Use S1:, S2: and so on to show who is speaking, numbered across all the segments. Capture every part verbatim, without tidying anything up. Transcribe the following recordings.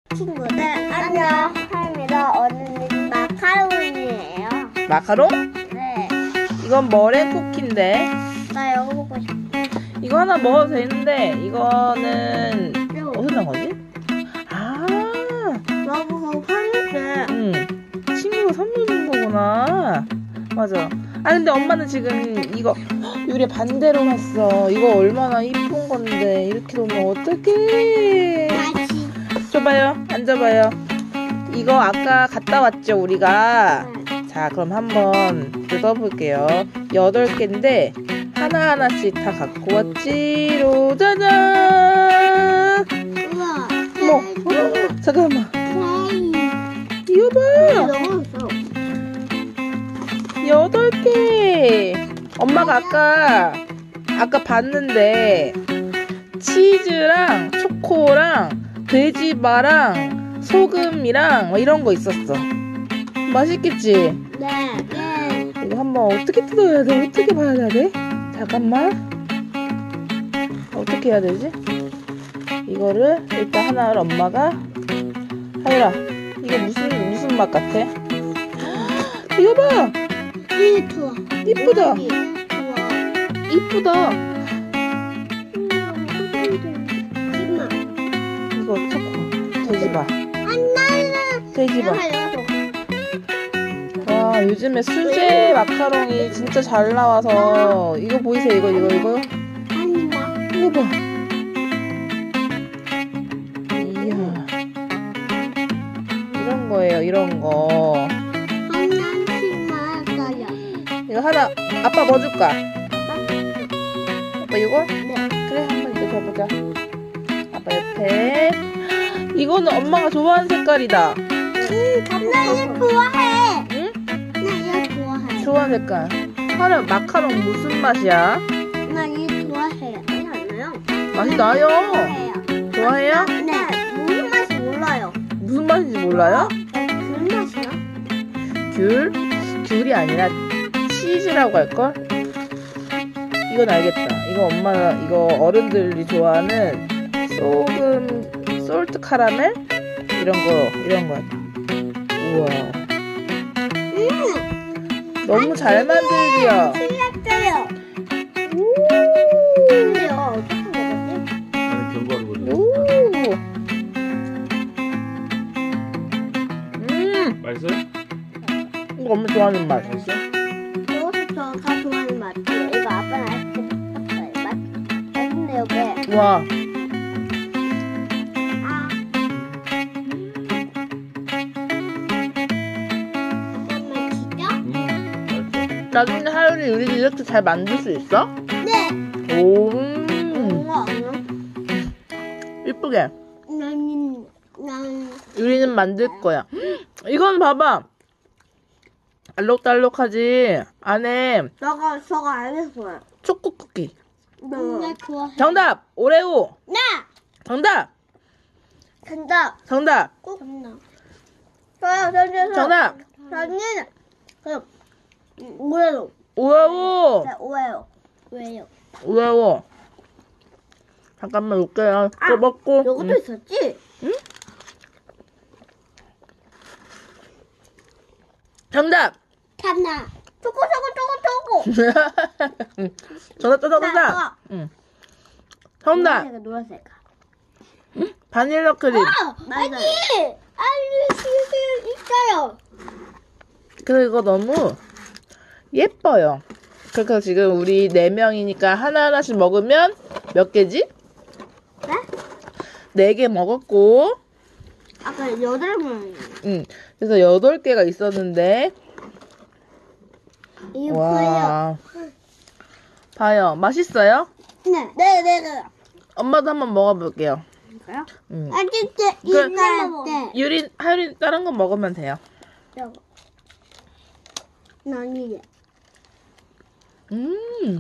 S1: 친구들 안녕. 하입니다. 오늘은 마카로니예요.
S2: 마카롱?
S1: 네.
S2: 이건 머랭 쿠키인데.
S1: 나 이거 먹고 싶어.
S2: 이거 하나 먹어도 되는데 이거는
S1: 이거.
S2: 어디서 난 거지? 아,
S1: 너무 화냈대.
S2: 응. 친구가 선물 준 거구나. 맞아. 아 근데 엄마는 지금 이거 유리 반대로 샀어. 이거 얼마나 이쁜 건데 이렇게 놓으면 어떡해.
S1: 다시.
S2: 줘봐요. 앉아봐요. 이거 아까 갔다 왔죠 우리가. 자 그럼 한번 뜯어볼게요. 여덟 개인데 하나하나씩 다 갖고 왔지로. 짜잔.
S1: 우와.
S2: 어머, 어머, 잠깐만. 이거 봐.
S1: 너무 있어.
S2: 여덟 개. 엄마가 아까 아까 봤는데 치즈랑 초코랑 돼지바랑 소금이랑 뭐 이런 거 있었어. 맛있겠지?
S1: 네. 네.
S2: 이거 한번 어떻게 뜯어야 돼? 어떻게 봐야 돼? 잠깐만. 어떻게 해야 되지? 이거를 일단 하나를 엄마가. 하율아, 이거 무슨 무슨 맛 같아? 이거 봐.
S1: 이게 좋아.
S2: 이쁘다.
S1: 좋아.
S2: 이쁘다.
S1: 이마.
S2: 이거 초코. 돼지바.
S1: 안나는.
S2: 돼지바. 와, 요즘에 수제 마카롱이 진짜 잘 나와서. 이거 보이세요? 이거 이거 이거.
S1: 아니다.
S2: 이거 봐. 이야. 이런 거예요. 이런 거. 이거 하나. 아빠 뭐 줄까? 아빠 이거?
S1: 네.
S2: 그래, 한번 이거 줘보자. 아빠 옆에. 이거는 엄마가 좋아하는 색깔이다.
S1: 나 이거 좋아해.
S2: 응?
S1: 나 이거 좋아해.
S2: 좋아하는 색깔. 하나 마카롱 무슨 맛이야?
S1: 나 이거 좋아해요. 아니 않나요?
S2: 맛이 나요.
S1: 좋아해요.
S2: 좋아해요?
S1: 네. 무슨 맛이 몰라요.
S2: 무슨 맛인지 몰라요?
S1: 무슨 맛이야?
S2: 귤? 귤이 아니라 치즈라고 할걸? 이건 알겠다. 이거 엄마가 이거 어른들이 좋아하는 소금, 솔트 카라멜? 이런 거, 이런 거. 우와.
S1: 음.
S2: 너무 잘 만들지요?
S1: 틀렸어요.
S2: 오.
S1: 근데요 어떻게 먹었지?
S3: 나는 견과류
S2: 오. 음.
S3: 맛있어요?
S2: 이거 엄마 좋아하는 맛.
S3: 맛있어?
S1: 이것도 다 좋아하는 맛이에요. 이거 아빠는 아이스크림 샀어요. 맛 맛있네 여기.
S2: 와.
S1: 아. 잠깐만 진짜?
S3: 음, 맛있어.
S2: 나중에 하율이 요리 이렇게 잘 만들 수 있어?
S1: 네.
S2: 오.
S1: 뭔가
S2: 이쁘게.
S1: 나는 난
S2: 유리는 만들 거야. 이건 봐봐. 알록달록하지. 안에
S1: 너가 저거 알겠어요.
S2: 초코 쿠키.
S1: 나 좋아해.
S2: 정답. 오레오.
S1: 나
S2: 정답.
S1: 정답.
S2: 정답.
S1: 꼭 정답. 저요 저요
S2: 정답.
S1: 저는 그럼 오해요.
S2: 오레오.
S1: 네, 오해요. 오해요.
S2: 오레오. 잠깐만 놓을게요.
S1: 아,
S2: 또 먹고.
S1: 요것도
S2: 응.
S1: 있었지?
S2: 응? 정답.
S1: 참나. 초코 초코 초코 초코.
S2: 정답, 정답, 정답.
S1: 나,
S2: 응. 정답.
S1: 노란색 노란색.
S2: 응? 바닐라 크림.
S1: 아니 알려주실 있어요.
S2: 그리고 너무 예뻐요. 그래서 지금 우리 네 명이니까 하나하나씩 먹으면 몇 개지?
S1: 네?
S2: 네 개 먹었고,
S1: 아까 여덟 명.
S2: 응. 그래서 여덟 개가 있었는데,
S1: 이거 보여.
S2: 와. 봐요. 맛있어요?
S1: 네. 네, 네, 네.
S2: 엄마도 한번 먹어볼게요.
S1: 이거요?
S2: 응.
S1: 아, 진짜
S2: 그-
S1: 이거 네.
S2: 유린, 하유린 다른 거 먹으면 돼요.
S1: 저거. 난 이게.
S2: 음.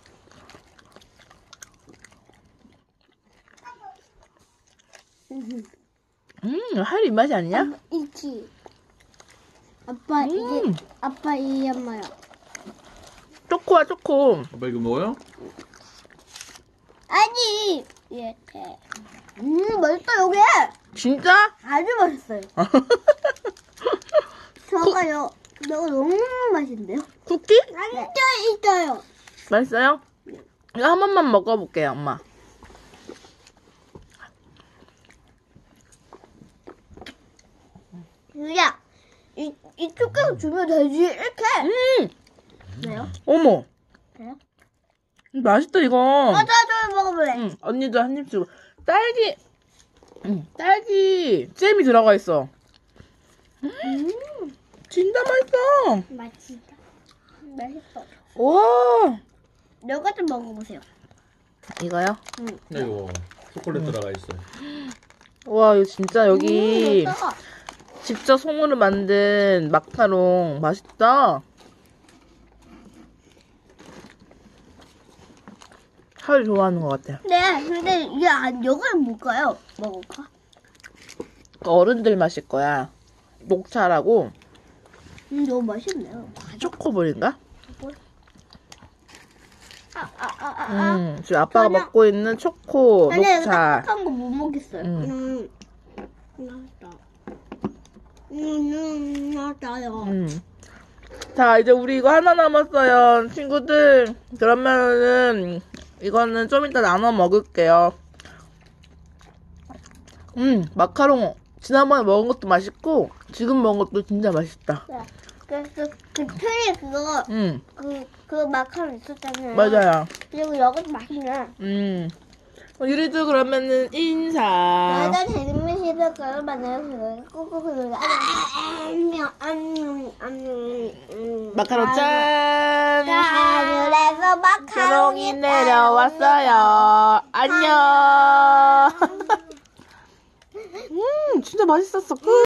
S2: 음, 하유린 맛이 아니냐?
S1: 이치. 아빠
S2: 음.
S1: 이게 아빠 이 엄마요.
S2: 초코야, 초코.
S3: 아빠 이거 먹어요?
S1: 아니 이렇게. 음, 맛있다, 여기.
S2: 진짜?
S1: 아주 맛있어요. 저거요. 너무 너무 맛있는데요?
S2: 쿠키?
S1: 진짜 있어요.
S2: 맛있어요? 이거 한 번만 먹어볼게요, 엄마.
S1: 유야, 이, 이 초코를 주면 되지, 이렇게.
S2: 음!
S1: 왜요?
S2: 어머!
S1: 그래요?
S2: 맛있다, 이거.
S1: 맞아, 저 먹어볼래.
S2: 응, 언니도 한 입 주고. 딸기, 응, 딸기 잼이 들어가 있어.
S1: 음,
S2: 진짜 맛있어.
S1: 맛있다. 맛있어.
S2: 와,
S1: 이거 좀 먹어보세요.
S2: 이거요?
S1: 응.
S3: 이거 초콜릿 들어가 있어.
S2: 와, 이거 진짜 여기
S1: 음, 맛있다.
S2: 직접 손으로 만든 마카롱 맛있다. 하루 좋아하는 것 같아요.
S1: 네, 근데 이게 안, 이걸 뭘까요? 먹을까?
S2: 어른들 마실 거야. 녹차라고
S1: 음, 너무 맛있네요.
S2: 초코볼인가?
S1: 아, 아, 아, 아, 아.
S2: 음, 지금 아빠가
S1: 그냥-
S2: 먹고 있는 초코
S1: 아니, 이거
S2: 녹차.
S1: 딱딱한 거 못 먹겠어요.
S2: 음.
S1: 음, 맛있다. 음, 음, 맛있다요.
S2: 음. 자, 이제 우리 이거 하나 남았어요. 친구들. 그러면은, 이거는 좀 이따 나눠 먹을게요. 음, 마카롱. 지난번에 먹은 것도 맛있고, 지금 먹은 것도 진짜 맛있다.
S1: 네. 그, 그, 그 트리 그거,
S2: 음,
S1: 그, 그 마카롱 있었잖아요.
S2: 맞아요.
S1: 그리고 여기도 맛있네.
S2: 음. 어, 유리도 그러면은 인사.
S1: 나도 재밌는 그걸 만나서 꾹꾹 눌러. 안녕, 안녕, 안녕.
S2: 마카롱 짠!
S1: 하늘에서 마카롱이
S2: 마카롱이 내려왔어요. 안녕. 음, 진짜 맛있었어. 끝.